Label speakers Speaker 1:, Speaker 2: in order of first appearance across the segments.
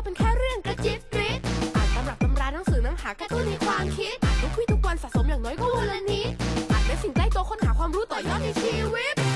Speaker 1: เป็นแค่เรื่องกระจิบกริดอ่านตำรับตำราหนังสือหนังหากระตุ้นในความคิดอ่านทุกวี่ทุกวันสะสมอย่างน้อยก็วันละนิดอ่านเป็นสิ่งใกล้ตัวค้นหาความรู้ต่อยอดในชีวิต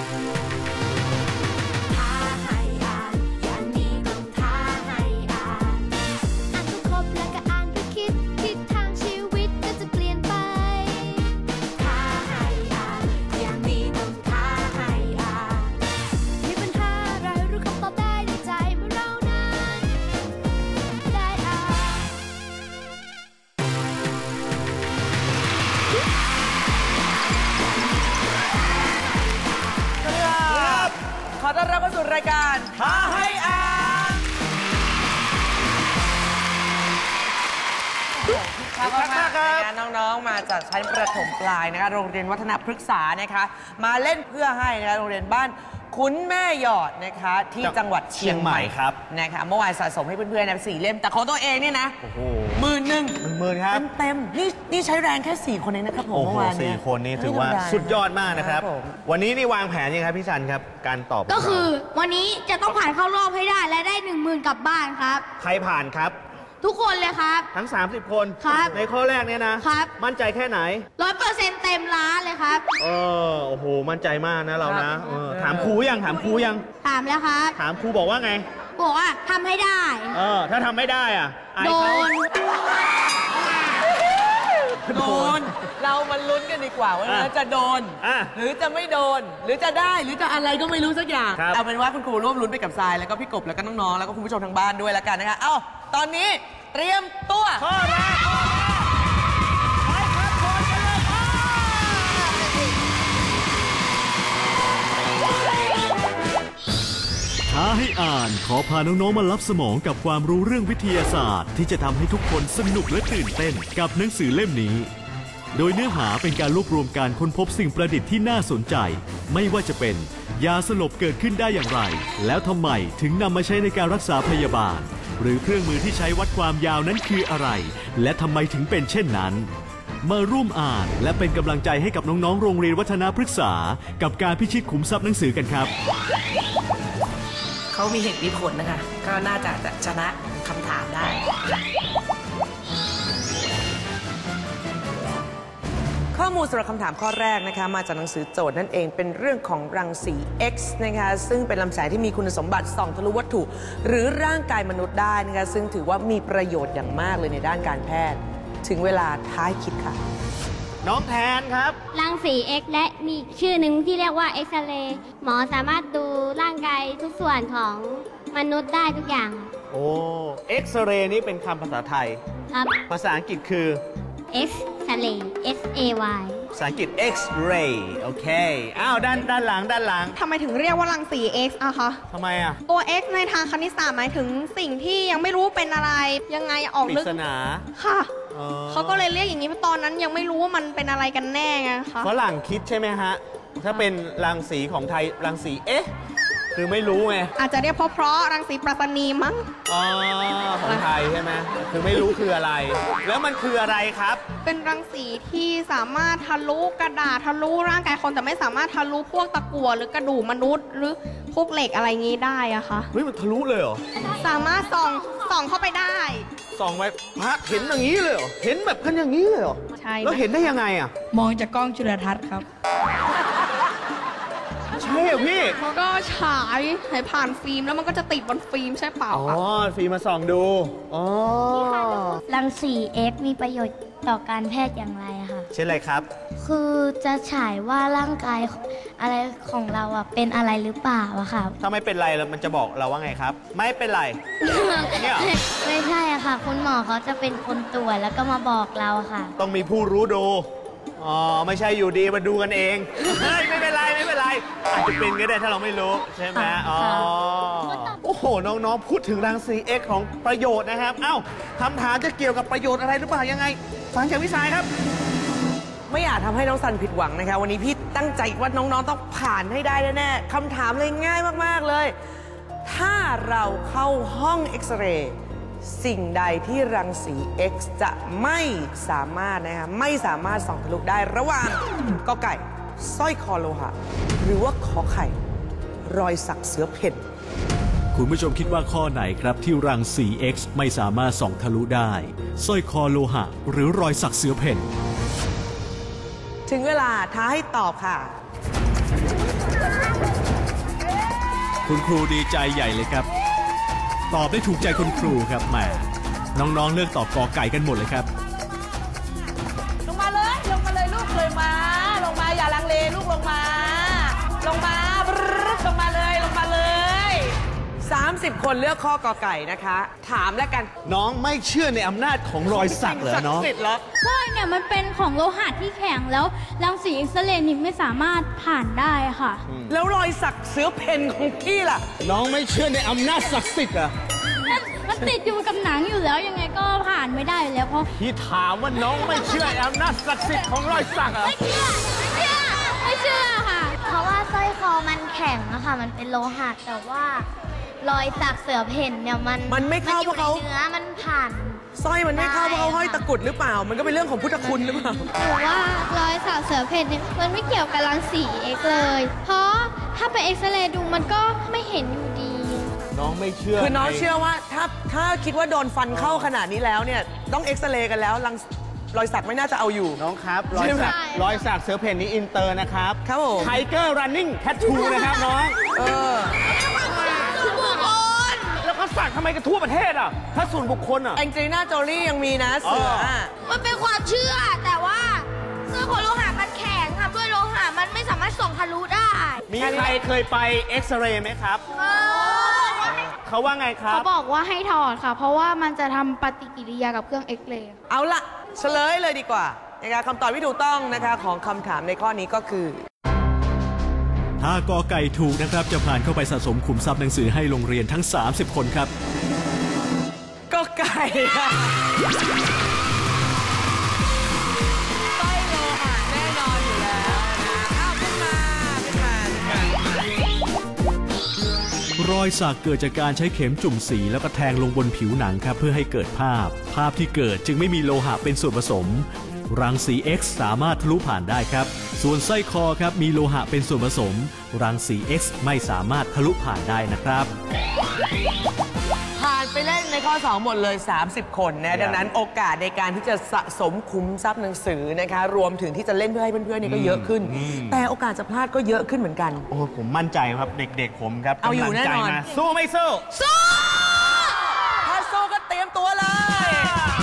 Speaker 1: ท้าให้อ่านอย่างนี้ต้องท้าให้อ่านอ่านก็ครบแล้วก็อ่านก็คิดทิศทางชีวิตก็จะเปลี่ยนไปท้าให้อ่านอย่างนี้ต้องท้าให้อ่านมีปัญหาอะไรรู้คำตอบได้ในใจเมื่อเรานั้นได้อ่าน
Speaker 2: ขอต้อนรับเข้าสู่รายการท้าให้อ่านขอบคุณมากครับน้องๆมาจากชั้นประถมปลายนะคะโรงเรียนวัฒนพฤกษานะคะมาเล่นเพื่อให้นะคะโรงเรียนบ้านคุ้นแม่หยอดนะคะที่จังหวัดเชียงใหม่ครับนะคะเมื่อวานสะสมให้เพื่อนๆนะ4 เล่มแต่ของตัวเองเนี่ยนะ11,000ครับเต็มนี่ใช้แรงแค่4 คนเองนะครับผมเมื่อวานนี้
Speaker 3: 4 คนนี่ถือว่าสุดยอดมากนะครับวันนี้นี่วางแผนยังไงพี่ชันครับการตอบ
Speaker 4: ก็คือวันนี้จะต้องผ่านเข้ารอบให้ได้และได้ 10,000 กลับบ้านครับ
Speaker 3: ใครผ่านครับ
Speaker 4: ทุกคนเลยครับ
Speaker 3: ทั้ง30 คน
Speaker 4: ครับ
Speaker 3: ในข้อแรกเนี่ยนะครับมั่นใจแค่ไหน
Speaker 4: 100%เต็มล้านเลยครับ
Speaker 3: โอ้โหมั่นใจมากนะเรานะถามครูยังถาม
Speaker 4: แล้วครับ
Speaker 3: ถามครูบอกว่าไง
Speaker 4: บอกว่าทำให้ได้
Speaker 3: ถ้าทำไม่ได้อ่ะ
Speaker 4: โดน
Speaker 2: เรามาลุ้นกันดีกว่าว่าจะโดนหรือจะไม่โดนหรือจะได้หรือจะอะไรก็ไม่รู้สักอย่างเอาเป็นว่าคุณครูร่วมลุ้นไปกับทรายแล้วก็พี่กบแล้วก็น้องๆแล้วก็คุณผู้ชมทางบ้านด้วยแล้วกันนะคะตอนนี้เตรียมตัว
Speaker 3: ข้อแรกไปครับโคนกันเลย
Speaker 5: ท้าให้อ่านขอพาน้องๆมารับสมองกับความรู้เรื่องวิทยาศาสตร์ที่จะทำให้ทุกคนสนุกและตื่นเต้นกับหนังสือเล่มนี้โดยเนื้อหาเป็นการรวบรวมการค้นพบสิ่งประดิษฐ์ที่น่าสนใจไม่ว่าจะเป็นยาสลบเกิดขึ้นได้อย่างไรแล้วทำไมถึงนำมาใช้ในการรักษาพยาบาลหรือเครื่องมือที่ใช้วัดความยาวนั้นคืออะไรและทำไมถึงเป็นเช่นนั้นมาร่วมอ่านและเป็นกำลังใจให้กับน้องๆโรงเรียนวัฒนพฤกษากับการพิชิตขุมทรัพย์หนังสือกันครับ
Speaker 2: เขามีเหตุมีผลนะคะก็น่าจะชนะคำถามได้ข้อมูลสำหรับคำถามข้อแรกนะคะมาจากหนังสือโจทย์นั่นเองเป็นเรื่องของรังสี X นะคะซึ่งเป็นลำแสงที่มีคุณสมบัติส่องทะลุวัตถุหรือร่างกายมนุษย์ได้นะคะซึ่งถือว่ามีประโยชน์อย่างมากเลยในด้านการแพทย์ถึงเวลาท้ายคิดค่ะ
Speaker 3: น้องแทนครับ
Speaker 4: รังสี X และมีชื่อหนึ่งที่เรียกว่าเอ็กซเรย์หมอสามารถดูร่างกายทุกส่วนของมนุษย์ได้ทุกอย่าง
Speaker 3: โอ้เอ็กซเรย์นี่เป็นคำภาษาไทย
Speaker 4: ครับ
Speaker 3: ภาษาอังกฤษคือ
Speaker 4: X-ray S-A-Y
Speaker 3: ภาษาอังกฤษ X-ray โอเคด้านหลัง
Speaker 6: ทำไมถึงเรียกว่ารังสี X อะคะ
Speaker 3: ทำไมอะ
Speaker 6: ตัว X ในทางคณิตศาสตร์หมายถึงสิ่งที่ยังไม่รู้เป็นอะไรยังไงออกลึก
Speaker 3: ปริศนา
Speaker 6: ค่ะเขาก็เลยเรียกอย่างนี้เพราะตอนนั้นยังไม่รู้ว่ามันเป็นอะไรกันแน่ไงคะ
Speaker 3: ฝรั่งคิดใช่ไหมฮะถ้าเป็นรังสีของไทยรังสีคือไม่รู้ไง
Speaker 6: อาจจะเรียกเพราะรังสีปรัชนีมั้ง
Speaker 3: ของไทยใช่ไหมคือไม่รู้คืออะไรแล้วมันคืออะไรครับ
Speaker 6: เป็นรังสีที่สามารถทะลุกระดาษทะลุร่างกายคนแต่ไม่สามารถทะลุพวกตะกั่วหรือกระดูกมนุษย์หรือพวกเหล็กอะไรงี้ได้อะคะ
Speaker 3: เฮ้ยมันทะลุเลยเหรอ
Speaker 6: สามารถส่องเข้าไปได้
Speaker 3: ส่องไปเห็นอย่างนี้เลยเหรอเห็นแบบกันอย่างนี้เลยเหรอ
Speaker 6: ใช่
Speaker 3: แล้วเห็นได้ยังไงอะ
Speaker 6: มองจากกล้องจุลทรรศน์ครับ
Speaker 3: ใช่เหรอพี่
Speaker 6: ก็ฉายให้ผ่านฟิล์มแล้วมันก็จะติดบนฟิล์มใช่เปล่า
Speaker 3: ฟิล์มมาส่องดู
Speaker 4: รังสี X มีประโยชน์ต่อการแพทย์อย่างไรคะ
Speaker 3: เช่นอะไรครับ
Speaker 4: คือจะฉายว่าร่างกายอะไรของเราเป็นอะไรหรือเปล่าอะค่ะ
Speaker 3: ถ้าไม่เป็นไรแล้วมันจะบอกเราว่าไงครับไม่เป็นไร
Speaker 4: เนี่ยไม่ใช่อะค่ะคุณหมอเขาจะเป็นคนตรวจแล้วก็มาบอกเราค่ะ
Speaker 3: ต้องมีผู้รู้ดูไม่ใช่อยู่ดีมาดูกันเองไม่เป็นไรอาจจะเป็นก็ได้ถ้าเราไม่รู้ใช่ไหมโอ้โหน้องๆพูดถึงรังสี X ของประโยชน์นะครับคำถามจะเกี่ยวกับประโยชน์อะไรหรือเปล่ายังไงฟังจากพี่สายครับ
Speaker 2: ไม่อยากทำให้น้องซันผิดหวังนะคะวันนี้พี่ตั้งใจว่าน้องๆต้องผ่านให้ได้แน่ๆคำถามเลยง่ายมากๆเลยถ้าเราเข้าห้องเอ็กซเรย์สิ่งใดที่รังสี X จะไม่สามารถไม่สามารถส่องทะลุได้ระหว่างก.ไก่สร้อยคอโลหะหรือว่าขอไข่รอยสักเสือเพ่น
Speaker 5: คคุณผู้ชมคิดว่าข้อไหนครับที่รังสี X ไม่สามารถส่องทะลุได้สร้อยคอโลหะหรือรอยสักเสือเพ่น
Speaker 2: ถึงเวลาท้าให้ตอบค่ะ
Speaker 5: คุณครูดีใจใหญ่เลยครับตอบได้ถูกใจคุณครูครับแหมน้องๆเลือกตอบกอไก่กันหมดเลยครับ
Speaker 2: ลงมาเลยลูกเลยมาลงมาอย่าลังเลลูกลงมาลงมาเลย30 คนเลือกข้อกอไก่นะคะ ถามแล้วกัน
Speaker 3: น้องไม่เชื่อในอำนาจของรอยสักเหรอน้อง
Speaker 7: ใช่เนี่ยมันเป็นของโลหะที่แข็งแล้วรังสีเอ็กซเรย์นี่ไม่สามารถผ่านได้ค่ะ
Speaker 2: แล้วรอยสักเสือเพ่นของพี่ล่ะ
Speaker 3: น้องไม่เชื่อในอำนาจศักดิ์สิทธิ์เหรอ
Speaker 7: มันติดอยู่กับหนังอยู่แล้วยังไงก็ผ่านไม่ได้อยู่แล้วเพราะ
Speaker 3: พี่ถามว่าน้องไม่เชื่ออำนาจศักดิ์สิทธิ์ของรอยสักเหรอ
Speaker 7: ไม่เชื่อค่ะ
Speaker 1: เพราะว่าสร้อยคอมันแข็งอะค่ะมันเป็นโลหะแต่ว่ารอยสักเสือเพ่นเนี่ย
Speaker 2: มันไม่เข้าเพราะเขา
Speaker 1: เนื้อมันผ่าน
Speaker 2: สร้อยมันไม่เข้าเพราะเขาห้อยตะกุดหรือเปล่ามันก็เป็นเรื่องของพุทธคุณหรือเปล่า
Speaker 1: หรือว่ารอยสักเสือเพ่นเนี่ยมันไม่เกี่ยวกับรังสีเอ็กซ์เลยเพราะถ้าไปเอ็กซเรย์ดูมันก็ไม่เห็นอยู่ดี
Speaker 3: น้องไม่เชื่อ
Speaker 2: คือน้องเชื่อว่าถ้าคิดว่าโดนฟันเข้าขนาดนี้แล้วเนี่ยต้องเอ็กซเรย์กันแล้วรอยสักไม่น่าจะเอาอยู่
Speaker 3: น้องครับรอยสักเสือเพ่นนี้อินเตอร์นะครับ
Speaker 2: ครับผม
Speaker 3: ไทเกอร์รันนิ่งแทททูนะครับน้องแล้วก็สักทำไมกันทั่วประเทศอ่ะถ้าส่วนบุคคลอ่ะ
Speaker 2: แองเจลิน่าโจลี่ยังมีนะเสือ
Speaker 1: มันเป็นความเชื่อแต่ว่าเสื้อของโลหะมันแข็งครับด้วยโลหะมันไม่สามารถส่องทะลุได้
Speaker 3: มีใครเคยไปเอ็กซเรย์ไหมครับเขาว่าไงครับ
Speaker 6: เขาบอกว่าให้ถอดค่ะเพราะว่ามันจะทำปฏิกิริยากับเครื่องเอ็กซเรย์
Speaker 2: เอาละเฉลยเลยดีกว่านะคะคำตอบที่ถูกต้องนะคะของคำถามในข้อนี้ก็คือ
Speaker 5: ถ้ากอไก่ถูกนะครับจะผ่านเข้าไปสะสมขุมทรัพย์หนังสือให้โรงเรียนทั้ง30 คนครับ
Speaker 2: กอไก่สร้อยโลหะแน่นอนอยู่แล้วนะขึ้นม
Speaker 5: ารอยสักเกิดจากการใช้เข็มจุ่มสีแล้วก็แทงลงบนผิวหนังครับเพื่อให้เกิดภาพที่เกิดจึงไม่มีโลหะเป็นส่วนผสมรังสี X สามารถทะลุผ่านได้ครับส่วนสร้อยคอครับมีโลหะเป็นส่วนผสมรังสี X ไม่สามารถทะลุผ่านได้นะครับ
Speaker 2: ผ่านไปเล่นในข้อ2หมดเลย30 คนนะดังนั้นโอกาสในการที่จะสะสมคุ้มทรัพย์หนังสือนะคะรวมถึงที่จะเล่นเพื่อให้เพื่อนๆนี่ก็เยอะขึ้นแต่โอกาสจะพลาดก็เยอะขึ้นเหมือนกัน
Speaker 3: โอ้ผมมั่นใจครับเด็กๆผมครับ
Speaker 2: เอาอยู่แน่นอน
Speaker 3: สู้ไม่สู้
Speaker 2: ถ้าสู้ก็เตรียมตัวเลย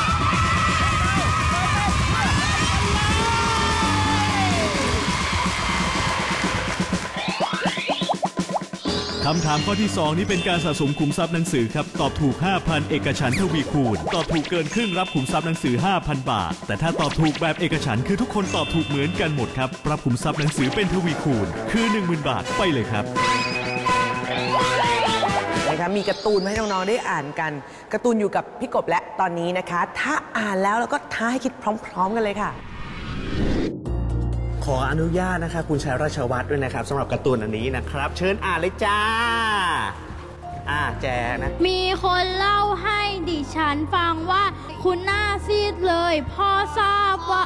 Speaker 5: คำถามข้อที่2นี้เป็นการสะสมขุมทรัพย์หนังสือครับตอบถูก 5,000 เอกฉันท์ทวีคูณตอบถูกเกินครึ่งรับขุมทรัพย์หนังสือ 5,000 บาทแต่ถ้าตอบถูกแบบเอกฉันท์คือทุกคนตอบถูกเหมือนกันหมดครับรับขุมทรัพย์หนังสือเป็นทวีคูณคือ 10,000 บาทไปเลยครับ
Speaker 2: นะคะมีการ์ตูนมาให้น้องๆได้อ่านกันการ์ตูนอยู่กับพี่กบและตอนนี้นะคะถ้าอ่านแล้วก็ท้าให้คิดพร้อมๆกันเลยค่ะ
Speaker 3: ขออนุญาตนะคะคุณชัยราชวัฒน์ด้วยนะครับสำหรับการ์ตูนอันนี้นะครับเชิญอ่านเลยจ้าแจนะ
Speaker 7: มีคนเล่าให้ดิฉันฟังว่าคุณหน้าซีดเลยพ่อทราบว่า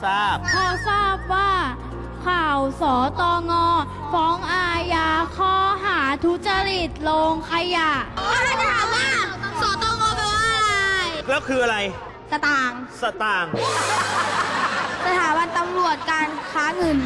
Speaker 7: ข่าวสตง.ฟ้องอาญาข้อหาทุจริตโรงขยะ
Speaker 1: จะถามว่าสตง.แปลว่าอะไร
Speaker 3: แล้วคืออะไร
Speaker 6: สตางค์
Speaker 3: ส
Speaker 6: ถาบันตำรวจการค้าเงิน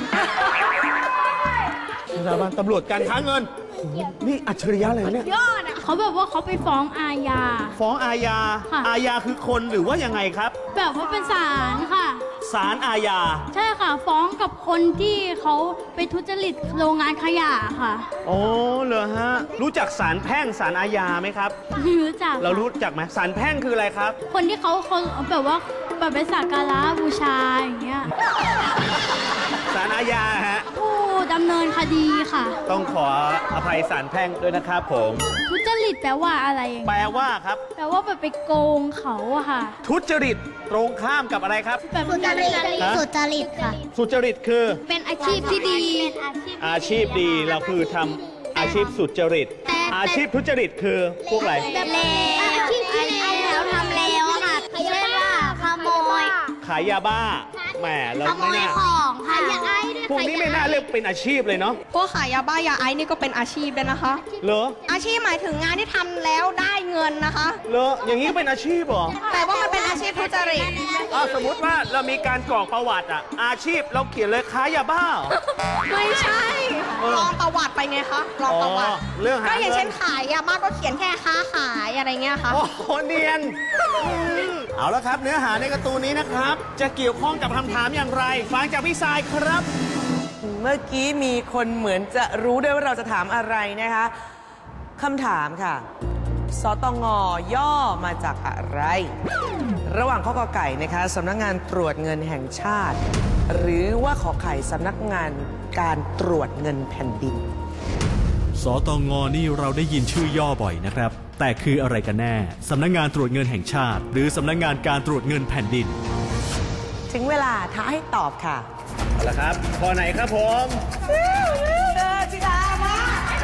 Speaker 3: สถาบันตำรวจการค้าเงินนี่อัจฉริยะเลยเนี่ย
Speaker 7: เขาแบบว่าเขาไปฟ้องอาญา
Speaker 3: อาญาคือคนหรือว่ายังไงครับ
Speaker 7: แบบว่าเป็นศาลค่ะ
Speaker 3: ศาลอาญา
Speaker 7: ใช่ค่ะฟ้องกับคนที่เขาไปทุจริตโรงงานขยะค่ะ
Speaker 3: โอ้เหรอฮะรู้จักศาลแพ่งศาลอาญาไหมครับ
Speaker 7: รู้จัก
Speaker 3: เรารู้จักไหมศาลแพ่งคืออะไรครับ
Speaker 7: คนที่เขาแบบว่าแบบไปสักการะบูชาอย่างเงี้ย
Speaker 3: ศาลอาญาฮะ
Speaker 7: ผู้ดำเนินคดีค่ะ
Speaker 3: ต้องขออภัยศาลแพ่งด้วยนะครับผม
Speaker 7: ทุจริตแปลว่าอะไร
Speaker 3: แปลว่าครับ
Speaker 7: แปลว่าแบบไปโกงเขาอะค่ะ
Speaker 3: ทุจริตตรงข้ามกับอะไรครับ
Speaker 1: สุจริตค่ะ
Speaker 3: สุจริตคือ
Speaker 7: เป็นอาชีพที่ดี
Speaker 3: อาชีพดีเราคือทำอาชีพสุจริตอาชีพทุจริตคือพวกอะไร
Speaker 1: แบบเลวอาชีพที่เลวทำเลวค่ะเช่นว่าขโมย
Speaker 3: ขายยาบ้าแหมเรา
Speaker 4: ขโม
Speaker 3: ไม่
Speaker 4: ย
Speaker 3: น่า
Speaker 4: ของค่ะยาไอด้วย
Speaker 3: พวกนี้ไม่น่าเรียกเป็นอาชีพเลยเนาะ
Speaker 6: พวกขายยาบ้ายาไอซ์นี่ก็เป็นอาชีพเลยนะคะ
Speaker 3: เหรอ
Speaker 6: อาชีพหมายถึงงานที่ทำแล้วได้เงินนะคะ
Speaker 3: เหรออย่างนี้ก็เป็นอาชีพเหรอ
Speaker 6: แต่ว่ามันเป็นอาชีพทุจริต
Speaker 3: สมมติว่าเรามีการกรอกประวัติอะอาชีพเราเขียนเลยค้ายาบ้าเหรอ
Speaker 6: ไม่ใช่ลองประวัติไปไงคะลองประวัติ
Speaker 3: เรื่องหา
Speaker 6: ก็อย่างเช่น
Speaker 3: เงิน
Speaker 6: ขายยาบ้าก็เขียนแค่ค้าขายอะไรเงี้ยค่ะ
Speaker 3: โอ้โหเนียนเอาละครับ เนื้อหาในการ์ตูนนี้นะครับ จะเกี่ยวข้องกับคำถามอย่างไร ฟังจากพี่สายครับ
Speaker 2: เมื่อกี้มีคนเหมือนจะรู้ด้วยว่าเราจะถามอะไรนะคะคำถามค่ะสตง.ย่อมาจากอะไร ระหว่างข้อกอไก่นะคะสำนักงานตรวจเงินแห่งชาติ หรือว่าขอไข่สำนักงานการตรวจเงินแผ่นดิน
Speaker 5: สตง.นี่เราได้ยินชื่อย่อบ่อยนะครับ แต่คืออะไรกันแน่สำนักงานตรวจเงินแห่งชาติ หรือสำนักงานการตรวจเงินแผ่นดิน
Speaker 2: ถึงเวลาท้าให้ตอบค่ะ
Speaker 3: เอาละครับข้อไหนครับผม
Speaker 2: จิดามา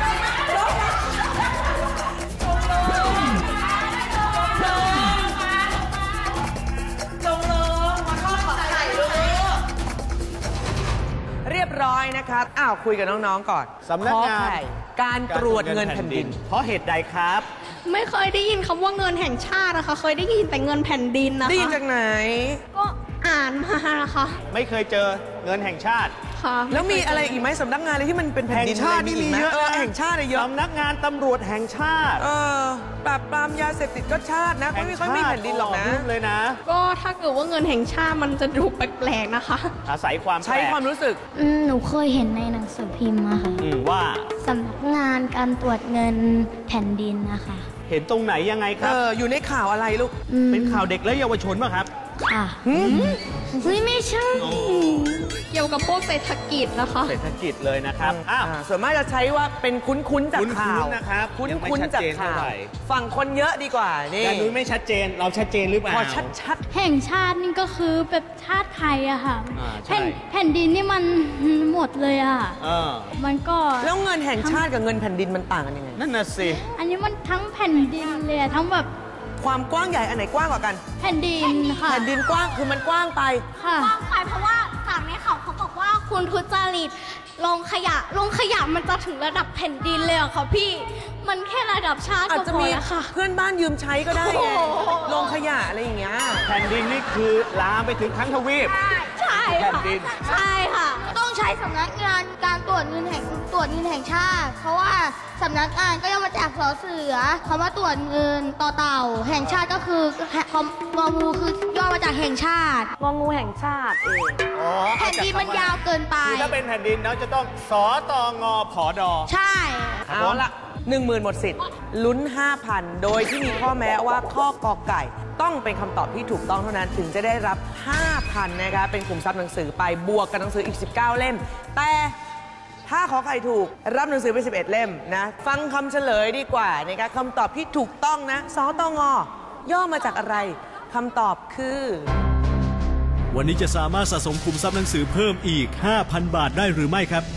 Speaker 2: เรียบร้อยนะครับคุยกับน้องๆก่อน
Speaker 3: สำนักงาน
Speaker 2: ขอไข่การตรวจเงินแผ่นดิน
Speaker 3: เพราะเหตุใดครับ
Speaker 6: ไม่เคยได้ยินคำว่าเงินแห่งชาตินะคะ เคยได้ยินแต่เงินแผ่นดินนะคะ
Speaker 2: ได้ยินจากไหน
Speaker 6: ก็อ่านมานะคะ
Speaker 3: ไม่เคยเจอเงินแห่งชาติ
Speaker 6: ค่ะ
Speaker 2: แล้วมีอะไรอีกไหมสำนักงานอะไรที่มันเป็นแผ่น
Speaker 3: แห่ง
Speaker 2: ดิน
Speaker 3: ชาตินี่มีเยอะ
Speaker 2: แห่งชาติเยอะ
Speaker 3: สำนักงานตำรวจแห่งชาติ
Speaker 2: ปราบปรามยาเสพติดก็ชาตินะไม่ค่อยมีแผ่นดินหรอกนะ
Speaker 3: ยุ่งเลยนะ
Speaker 6: ก็ถ้าเกิดว่าเงินแห่งชาติมันจะดูแปลกๆนะคะ
Speaker 3: อาศัยความ
Speaker 2: ใช้ความรู้สึก
Speaker 4: หนูเคยเห็นในหนังสือพิมพ์อะค่ะ
Speaker 3: ว่า
Speaker 4: สำนักงานการตรวจเงินแผ่นดินนะคะ
Speaker 3: เห็นตรงไหนยังไงครับ
Speaker 2: อยู่ในข่าวอะไรลูก
Speaker 3: เป็นข่าวเด็กและเยาวชนป่ะครับ
Speaker 4: ค่ะเฮ้ยไม่ใช่
Speaker 6: เกี่ยวกับพวกเศรษฐกิจนะคะ
Speaker 3: เศรษฐกิจเลยนะครับ
Speaker 2: ส่วนมากจะใช้ว่าเป็นคุ้นๆจากข่าว
Speaker 3: คุ้นๆนะครับ
Speaker 2: คุ้
Speaker 3: ยังไม่
Speaker 2: น
Speaker 3: ชัด
Speaker 2: ๆจาก
Speaker 3: เจนเท่า
Speaker 2: ข่าว
Speaker 3: ไหร่
Speaker 2: ฝั่งคนเยอะดีกว่านี่
Speaker 3: แต่นุ้ยไม่ชัดเจน เราชัดเจนหรือเปล่า
Speaker 2: พอชัด
Speaker 7: แห่งชาตินี่ก็คือแบบชาติไทยอะค่ะ
Speaker 3: ใช่
Speaker 7: แผ่นดินนี่มันหมดเลยอะ มันก็
Speaker 2: ๆแล้วเงินแห่งชาติกับเงินแผ่นดินมันต่างกันยังไง
Speaker 3: นั่นน่ะสิ
Speaker 7: อันนี้มันทั้งแผ่นดินเลยอะทั้งแบบ
Speaker 2: ความกว้างใหญ่อันไหนกว้างกว่ากัน
Speaker 7: แผ่นดินค่ะ
Speaker 2: แผ่นดินกว้างคือมันกว้างไป
Speaker 7: ค่ะ
Speaker 4: กว้างไปเพราะว่าจากในข่าวเขาบอกว่าคุณทุจริตลงขยะมันจะถึงระดับแผ่นดินเลยเหรอคะพี่ มันแค่ระดับชาติ
Speaker 2: อาจ
Speaker 4: ก็
Speaker 2: จะ
Speaker 4: พอ
Speaker 2: มี
Speaker 4: แล้วค่ะ
Speaker 2: เพื่อนบ้านยืมใช้ก็ได้ไง
Speaker 4: โอ้โห
Speaker 2: ลงขยะอะไรอย่างเงี้ย
Speaker 3: แผ่นดินนี่คือลามไปถึงทั้งทวีป
Speaker 4: ใช่
Speaker 3: แผ่
Speaker 4: ค่ะ
Speaker 3: นดิน
Speaker 4: ใช่ค่ะ ต้องใช้สำนักงานการตรวจเงินแห่งชาติ เพราะว่าสำนักงานก็ย่อมาจากสอเสือคำว่าตรวจเงินต่อเต่า แห่งชาติก็คืององูคือย่อมาจากแห่งชาติ
Speaker 2: งองูแห่งชาติ
Speaker 4: แผ่นดินมันยาวเกินไป
Speaker 3: คือถ้าเป็นแผ่นดินเราจะต้องสตงผด
Speaker 4: ใช่
Speaker 2: เอาละ10,000 หมดสิทธิ์ลุ้น 5,000 โดยที่มีข้อแม้ว่าข้อกอไก่ ต้องเป็นคำตอบที่ถูกต้องเท่านั้นถึงจะได้รับ 5,000 นะคะเป็นกลุ่มทรัพย์หนังสือไปบวกกับหนังสืออีก 19 เล่ม แต่ถ้าขอไข่ถูกรับหนังสือไป 11 เล่มนะฟังคำเฉลยดีกว่านะคะคำตอบที่ถูกต้องนะสตง.ย่อมาจากอะไรคำตอบคือ
Speaker 5: วันนี้จะสามารถสะสมคุมทรัพย์หนังสือเพิ่มอีก 5,000 บาทได้หรือไม่ครับ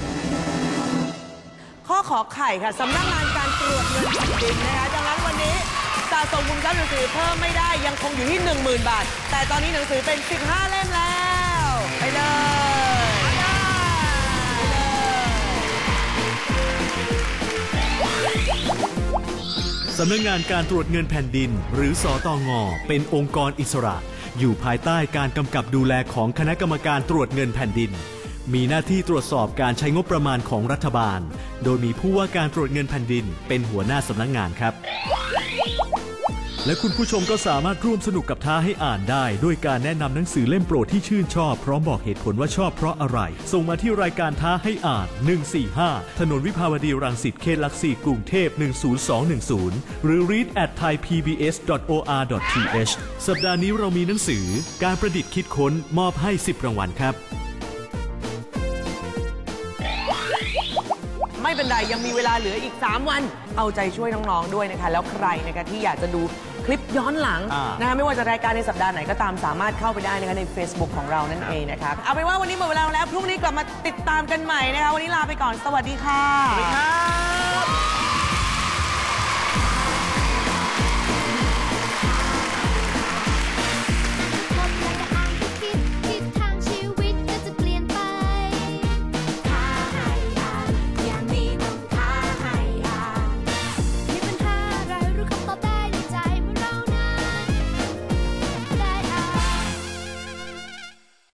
Speaker 2: ข้อขอไข่ค่ะสำนักงานการตรวจเงินแผ่นดินนะคะดังนั้นวันนี้สะสมคุมทรัพย์หนังสือเพิ่มไม่ได้ยังคงอยู่ที่ 10,000 บาท แต่ตอนนี้หนังสือเป็น 15 เล่มแล้ว ไปเลย
Speaker 5: สำนักงานการตรวจเงินแผ่นดิน หรือสตง.เป็นองค์กรอิสระ อยู่ภายใต้การกำกับดูแลของคณะกรรมการตรวจเงินแผ่นดิน มีหน้าที่ตรวจสอบการใช้งบประมาณของรัฐบาล โดยมีผู้ว่าการตรวจเงินแผ่นดินเป็นหัวหน้าสำนักงานครับ และคุณผู้ชมก็สามารถร่วมสนุกกับท้าให้อ่านได้ด้วยการแนะนำหนังสือเล่มโปรดที่ชื่นชอบพร้อมบอกเหตุผลว่าชอบเพราะอะไร ส่งมาที่รายการท้าให้อ่าน145ถนนวิภาวดีรังสิตเขตหลักสี่กรุงเทพ10210หรือ read@thaipbs.or.th สัปดาห์นี้เรามีหนังสือการประดิษฐ์คิดค้นมอบให้10 รางวัลครับ
Speaker 2: ไม่เป็นไรยังมีเวลาเหลืออีก 3 วัน เอาใจช่วยน้องๆด้วยนะคะแล้วใครนะคะที่อยากจะดูคลิปย้อนหลังนะคะไม่ว่าจะรายการในสัปดาห์ไหนก็ตามสามารถเข้าไปได้นะคะใน Facebook ของเรานั่นเองนะคะเอาเป็นว่าวันนี้หมดเวลาแล้วพรุ่งนี้กลับมาติดตามกันใหม่นะคะวันนี้ลาไปก่อนสวัสดีค่ะ
Speaker 3: สวัสดีครับ